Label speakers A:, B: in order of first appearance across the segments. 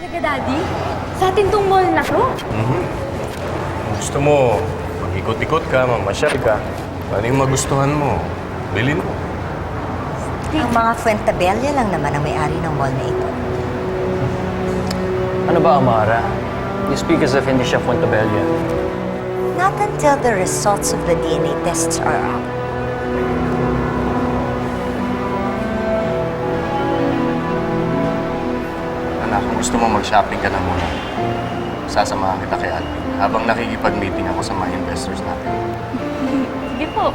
A: Talaga, Daddy? Sa atin tong mall na to?
B: Kung gusto mo, mag-ikot-ikot ka, mamasyal ka. Ano yung magustuhan mo? Bilhin mo.
C: Ang mga Fuentabella lang naman ang may-ari ng mall na ito.
D: Ano ba, Amara? You speak as if hindi siya Fuentabella.
C: Not until the results of the DNA tests are out.
B: Anak, kung gusto mo mag-shopping ka na muna, sasamahan kita kay Alvin habang nakikipag-meeting ako sa mga investors natin.
A: Sige po.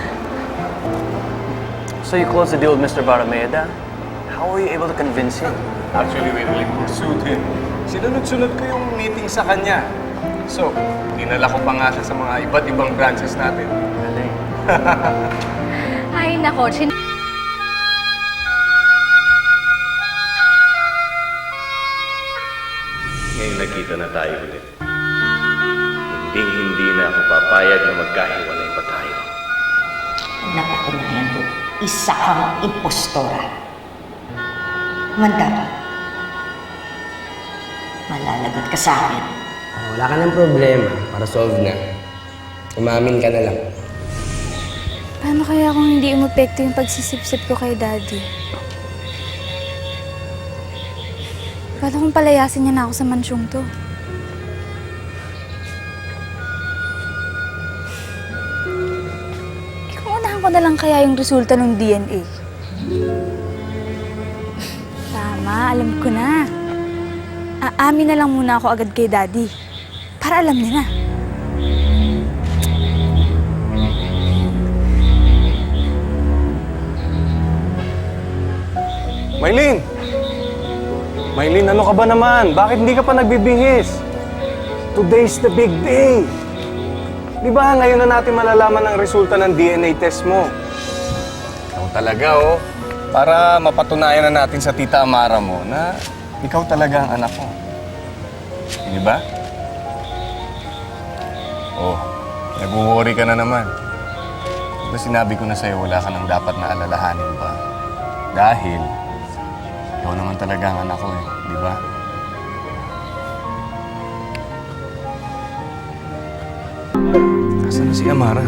D: So you closed the deal with Mr. Barameda? How were you able to convince him?
B: Actually, we really pursued him. Sinunod-sunod ko yung meeting sa kanya. So, dinala ko pa nga siya sa mga iba't ibang branches natin.
D: Galing.
A: Ay, nako.
B: Ngayon nagkita na tayo ulit. Hindi na ako papayag na magkahiwalay pa tayo.
C: Napatunayan ko, isa kang impostora. Manda ka. Malalagot ka sa akin.
E: Wala ka ng problema para solve na. Umamin ka na lang.
A: Paano kaya kung hindi umepekto yung pagsisip-sip ko kay Daddy? Paano kung palayasin niya na ako sa mansyong to? Kung unahan ko na lang kaya yung resulta ng DNA. Tama, alam ko na. Aamin na lang muna ako agad kay Daddy. Para alam niya na.
B: Maylin! Maylin, ano ka ba naman? Bakit hindi ka pa nagbibihis? Today's the big day! Di ba ngayon na natin malalaman ang resulta ng DNA test mo? Ikaw talaga, oh. Para mapatunayan na natin sa Tita Amara mo na ikaw talaga ang anak ko. Di ba? Oh, nag-worry ka na naman. Di ba sinabi ko na sa'yo wala ka nang dapat na alalahanin pa? Dahil ikaw naman talaga ang anak ko, di ba? Nasaan na si Amara?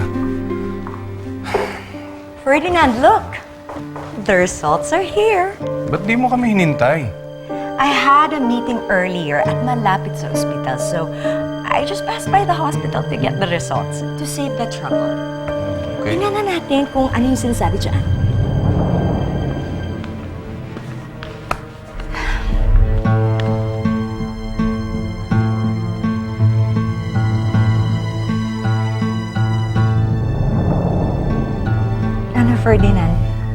C: Ferdinand, look! The results are here.
B: Ba't di mo kami hinintay?
C: I had a meeting earlier at malapit sa ospital, so I just passed by the hospital to get the results to save the trouble.
B: Okay.
C: Tingnan na natin kung ano yung sinasabi dyan. Ano, Ferdinand?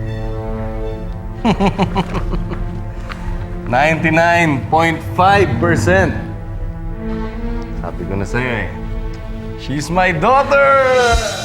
B: 99.5%. Sabi ko na sa'yo eh. She's my daughter!